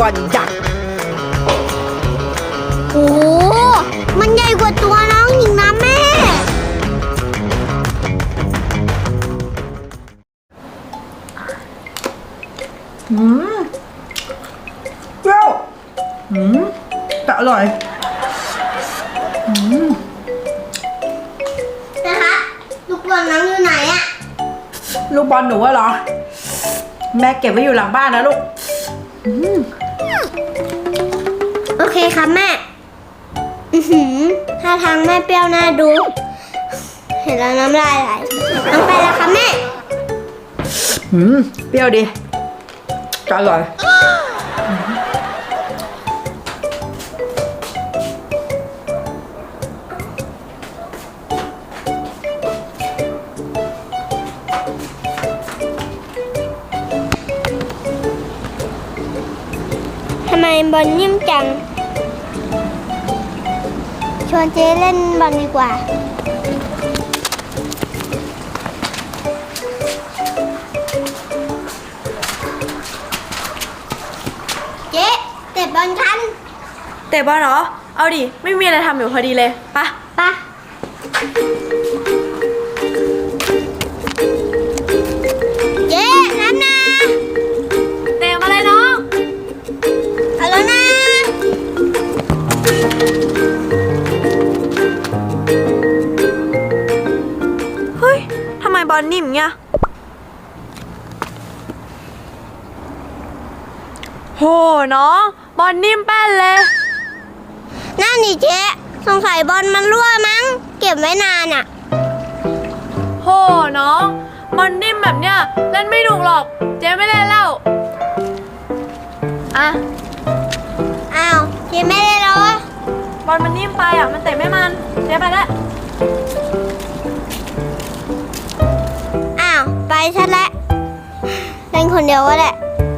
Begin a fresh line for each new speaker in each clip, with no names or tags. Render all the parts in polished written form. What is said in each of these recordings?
บอลยักษ์
โอ้มันใหญ่กว่าตัวน้องอีกนะแม่
เปรี้ยวแต่อร่อย
นะคะลูกบอลน้องอยู่ไหนอะ
ลูกบอลหนูเหรอแม่เก็บไว้อยู่หลังบ้านนะลูก
โอเคครับแม่ท่าทางแม่เปรี้ยวน่าดูเห็นแล้วน้ำลายไหลน้องไปแล้วครับแม่
เปรี้ยวดีจะอร่อย
ทำไมบอลนิ่มจังชวนเจ๊เล่นบอลดีกว่าเจ๊เตะบอลกัน
เตะบอลเหรอเอาดิไม่มีอะไรทำอยู่พอดีเลยปะ
เจ๊รับนะ
เตะมาเลยน้อง
เอาแล้วนะ
เฮ้ยทำไมบอลนิ่มเงี้ยโหน้องบอลนิ่มแป้นเลย
นั่นนี่เจ๊สงสัยบอลมันรั่วมั้งเก็บไว้นานอ่ะ
โหน้องบอลนิ่มแบบเนี้ยเล่นไม่ถูกหรอกเจ๊ไม่เล่นแล้วอ่ะ
อ้าวเจ๊ไม่ได้แล้วอ่ะ
บอลมันนิ่มไปอ่ะมันเตะไม่มันเจ๊ไปแล้ว
อ้าวไปซะแล้วเล่นคนเดียวก็ได้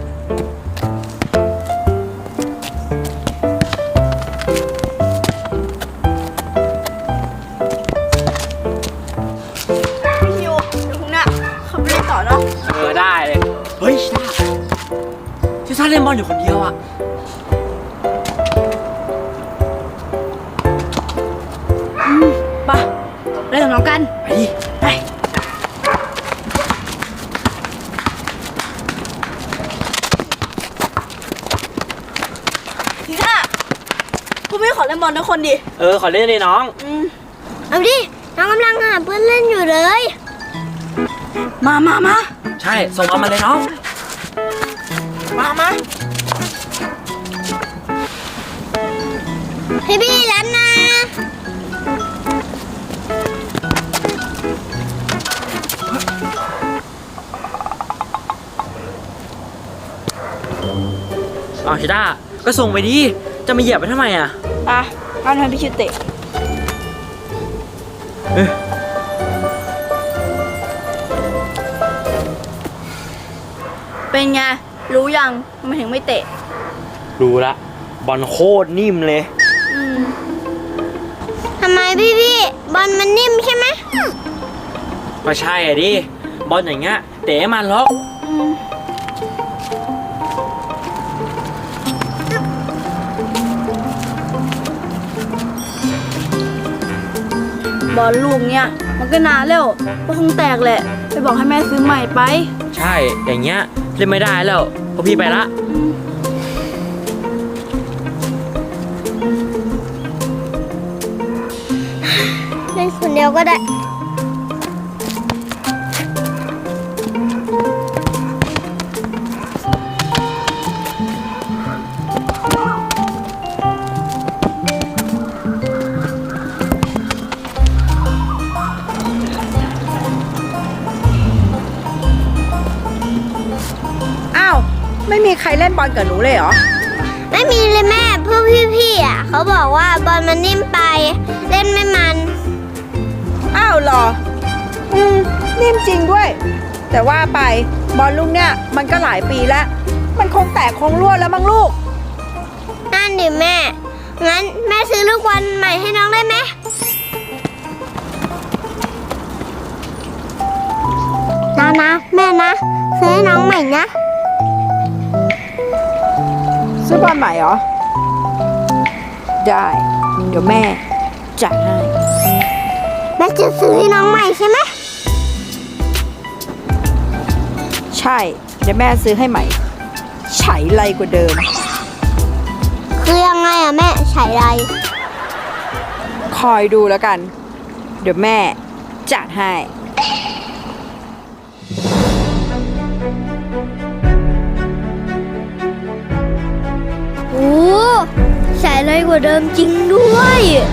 ได้เลยเฮ้ยชิซ่าเล่นบอลอยู่คนเดียวอ่ะ
ไปเล่นกับน้องกัน
ไปดิไป
ทีน่าพวกพี่ขอเล่นบอลทุกคนดิ
ขอเล่นเลยน้อง
เอาดิน้องกำลังหาเพื่อนเล่นอยู่เลย
มา
ใช่ส่งเอามาเลยน้อง
มา
พี่รับนะ
ชิต้าก็ส่งไปดิจะมาเหยียบไปทำไมอ่ะ
เอาทำพี่ชิเตะเป็นไงรู้ยังทำไมถึงไม่เตะ
รู้ละบอลโคตรนิ่มเลย
ทำไมพี่บอลมันนิ่มใช่ไหม
ก็ใช่อ่ะดิบอลอย่างเงี้ยเตะมันล็อก
บอลลูกเนี้ยมันก็นานแล้วก็คงแตกแหละไปบอกให้แม่ซื้อใหม่ไป
ใช่อย่างเงี้ยเล่นไม่ได้แล้วพอพี่ไปละ
เล่นคนเดียวก็ได้
ไม่มีใครเล่นบอลกับหนูเลยเหรอ
ไม่มีเลยแม่เพื่อพี่อ่ะเขาบอกว่าบอลมันนิ่มไปเล่นไม่มัน
อ้าวเหรอนิ่มจริงด้วยแต่ว่าไปบอลลูกเนี่ยมันก็หลายปีแล้วมันคงแตกคงรั่วแล้วมั้งลูก
นั่นดิแม่งั้นแม่ซื้อลูกบอลใหม่ให้น้องได้ไหมนะแม่นะซื้อให้น้องใหม่นะ
ซื้อบอลใหม่เหรอ ได้ เดี๋ยวแม่จัดให้
แม่จะซื้อให้น้องใหม่ใช่ไหม
ใช่ เดี๋ยวแม่ซื้อให้ใหม่ไฉไรกว่าเดิม
คือยังไงอะแม่ใช้ไร
คอยดูแล้วกัน เดี๋ยวแม่จัดให้
โอ้ใช้ไรกว่าเดิมจริงด้วย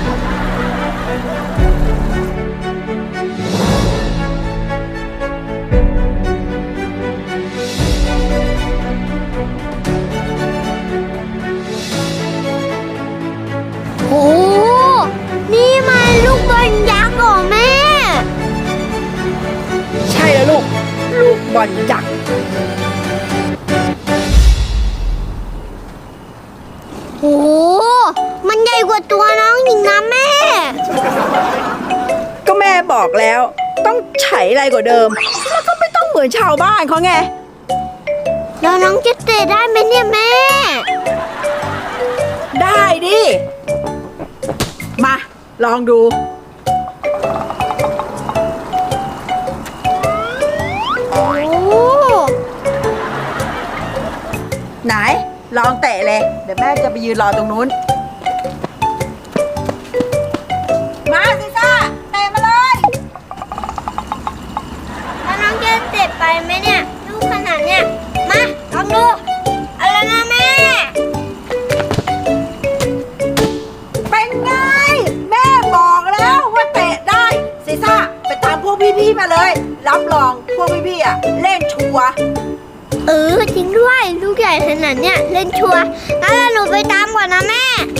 โอ้นี่มันลูกบอลยักษ์เหรอแม่
ใช่แล้วลูก ลูกบอลยักษ์
โอ้มันใหญ่กว่าตัวน้องหญิงนะแม่
ก็แม่บอกแล้ว ต้องไฉไรกว่าเดิม แล้วก็ไม่ต้องเหมือนชาวบ้านเขาไง
แล้วน้องจะเตะได้ไหมเนี่ยแม่
ได้ดิ มาลองดู
โอ้
ไหน ลองเตะเลย เดี๋ยวแม่จะไปยืนรอตรงนู้น มาซิซ่า เตะมาเลย
แล้วน้องจะเตะไปไหมเนี่ยลูกขนาดเนี่ย มาลองดูอะไรนะแม่
เป็นไง แม่บอกแล้วว่าเตะได้ซิซ่า ไปตามพวกพี่ๆมาเลย รับรองพวกพี่ๆอ่ะ เล่นชัวร์
จริงด้วยลูกใหญ่ขนาดเนี่ยเล่นชัวร์งั้นหนูไปตามก่อนนะแม่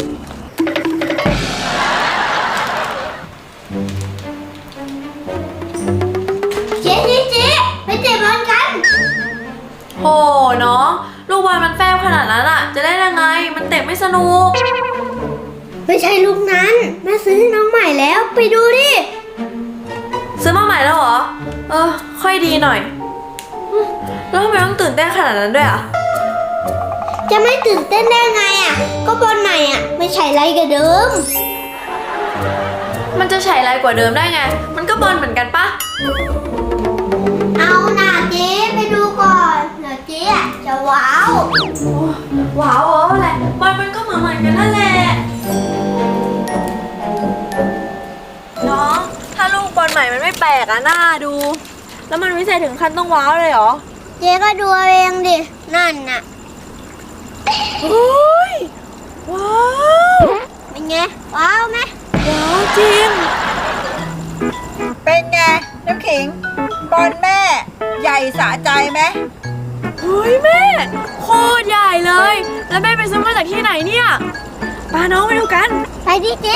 เจ๊ไปเตะบอลกัน
โหน้อง ลูกบอลมันแฟบขนาดนั้นอะจะได้ยังไง มันเตะไม่สนุก
ไม่ใช่ลูกนั้นแม่ซื้อให้น้องใหม่แล้วไปดูดิ
ซื้อมาใหม่แล้วเหรอ ค่อยดีหน่อยแล้วทำไมต้องตื่นเต้นขนาดนั้นด้วยอะ
จะไม่ตื่นเต้นได้ไงอ่ะ ก็บอลใหม่อ่ะ ไม่ใช่ไรกับเดิม
มันจะฉายไรกว่าเดิมได้ไง มันก็บอลเหมือนกันปะ
เอาหน่าเจ๊ไปดูก่อนเดี๋ยวเจ๊อ่ะจะว้าว
ว้าวอะไรบอลมันก็เหมือนกันนั่นแหละ น้อง ถ้าลูกบอลใหม่มันไม่แปลกอะน่าดู แล้วมันวิเศษถึงขั้นต้องว้าวเลยเหรอ
เจ๊ก็ดูเอาเองดิ นั่นน่ะ
เฮ้ย ว้าว
เป็นไง ว้าวไหม
ว้าวจริง
เป็นไง น้ำขิง บอลแม่ใหญ่สะใจไหม
เฮ้ยแม่ โคตรใหญ่เลย แล้วแม่ไปซื้อมาจากที่ไหนเนี่ยพาน้องไปดูกัน
ไปดิเจ๊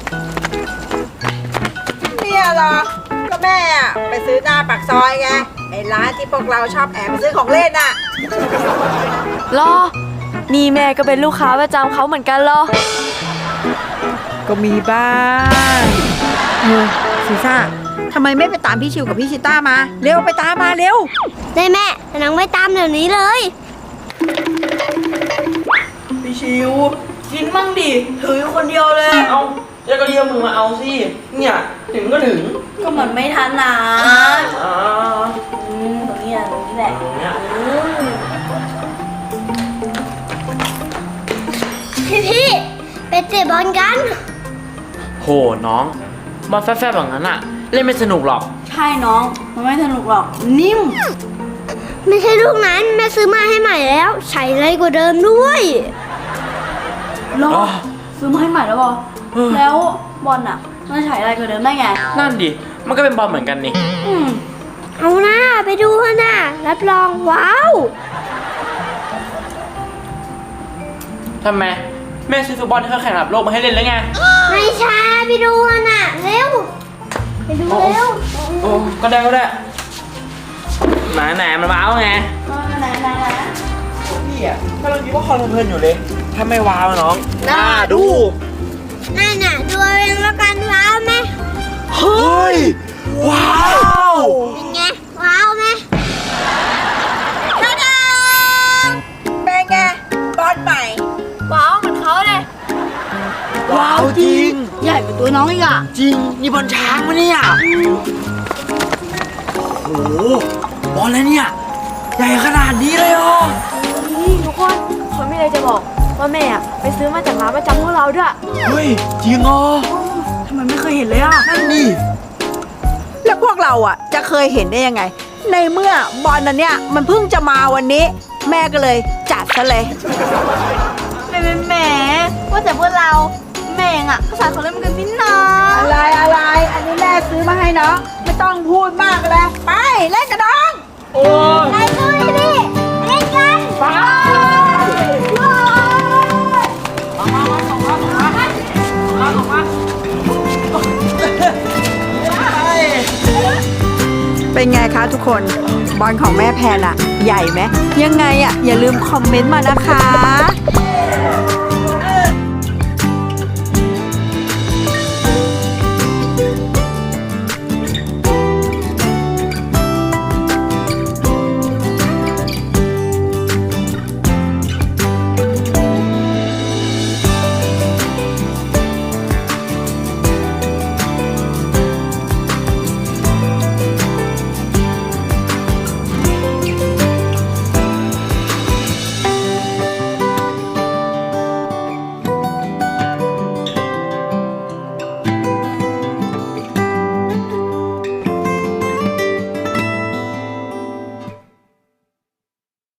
เนี่ยเหรอ ก็แม่อะไปซื้อหน้าปากซอยไง ไอ้ร้านที่พวกเราชอบแอบไปซื้อของเล่นน่ะ
รอ นี่แม่ก็เป็นลูกค้าประจำเขาเหมือนกันเหรอ
ก็มีบ้างซีซ่าทำไมไม่ไปตามพี่ชิวกับพี่ชิต้ามา เร็วไปตามมาเร็ว
ได้แม่แต่น้องไม่ตามเดี๋ยวนี้เลย
พี่ชิว กินมั่งดิถืออยู่คนเดียวเลย
เอาแล้วก็เรียกมึงมาเอาสิ เนี่ยถึงก็ถึง
ก็เหมือนไม่ทันนะ
อ่า
ตรงนี้แหละ
เนี่ย
พี่ไปเตะบอลกัน
โหน้องบอลแฟบๆแบบนั้นอะเล่นไม่สนุกหรอก
ใช่น้อง มันไม่สนุกหรอก นิ่ม
ไม่ใช่ลูกนั้นแม่ซื้อมาให้ใหม่แล้ว ใช้ไรกว่าเดิมด้วย
รอ
อ๋อ
ซื้อมาให้ใหม่แล้วบอ
เออ
แล้วบอลอ่ะ มันฉายอะไรกว่าเดิมได้ไง
นั่นดิ มันก็เป็นบอลเหมือนกันนี่
อืม
เอาหน้าไปดูเถอะนะรับรองว้าว
ทำไม แม่ซื้อฟุตบอลเครื่องแข่งระดับโลกมาให้เล่นแล้วไง
ไม่ใช่ไปดูเถอะนะเร็ว ไปดูเร็ว
โอ้ก็ได้ก็ได้ไหนมันว้าวไง
ไหน
พี่อะกำลังคิดว่าคอนเพลินอยู่เลย ถ้าไม่ว้าวน้อง น่าดู
นั่นน่ะดูเอาเองแล้วกันว้าวไหม
เฮ้ย ว้าว
เป็นไงว้าวไหม
เป็นไง บอลใหม่
ญ่กว่าตัวน้องอีกอ่ะ
จริง นี่บอลช้างมะเนี่ยโอ้โหบอลอะไรเนี่ย ใหญ่ขนาดนี้เลยเหรอ
นี่ทุกคนเขาไม่เลยจะบอกว่าแม่อะไปซื้อมาจากร้านประจำพวกเราด้วย
เฮ้ย จริงเหรอ
ทำไมไม่เคยเห็นเลยอ่ะ
นั่นนี่
แล้วพวกเราอ่ะจะเคยเห็นได้ยังไง ในเมื่อบอลอันเนี้ยมันเพิ่งจะมาวันนี้ แม่ก็เลยจัดซะเลย
แหมว่าแต่พวกเราแม่งอ่ะก็สายของเล่นกันพี่น้อง
อะไร อันนี้แม่ซื้อมาให้เนาะไม่ต้องพูดมากเลยไปเล่นกันน้อง
โอ้ย
ไปด้วยพี่เล่นกัน
ไปมา
เป็นไงคะทุกคนบอลของแม่แพนอะใหญ่ไหมยังไงอะอย่าลืมคอมเมนต์มานะคะ